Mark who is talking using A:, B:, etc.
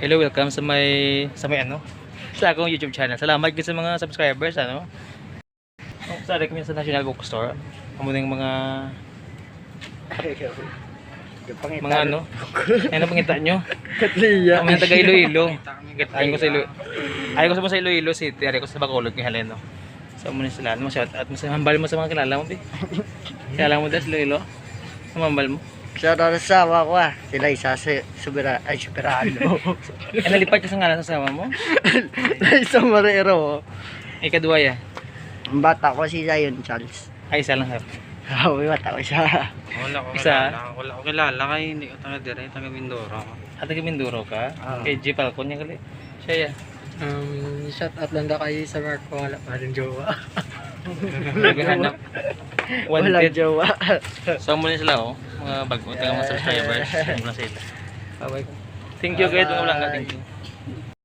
A: Hello, welcome sa may ano? Sa akong YouTube channel. Salamat din sa mga subscribers ano. Sa recommend sa National Bookstore. Amo ning mga ano? Ano pangita nyo?
B: Katliya.
A: Amo yung taga Iloilo. Ayon ko sa Iloilo. Ayon ko sa Iloilo City, ari ko sa Bacolod ni Heleno. So mo ni sila, mo shout out mo sa hambal mo sa mga kilala mo, bi. Kilala mo das Iloilo. Hambal mo.
B: Sa asawa ko sila isa sa Soberano.
A: Nalipat ka sa ngalan sa asawa mo?
B: Isa Marero.
A: Ikaduwa ya.
B: Ang bata ko si Zion Charles.
A: Ay, isa lang ha.
B: May bata ko siya.
C: Wala ko kilala kay hindi ko taga dire, taga Mindoro.
A: At taga Mindoro ka? Kay G. Falcon niya gali. Siya ya.
B: Shout out lang kay sa Marco, wala pa rin jowa.
A: Naghahanap.
B: Wala
A: Wanted.
B: jowa.
A: So muna sila oh. Mga bago taga mga subscribers. Muna sila. Bye-bye. Thank you guys. Thank you.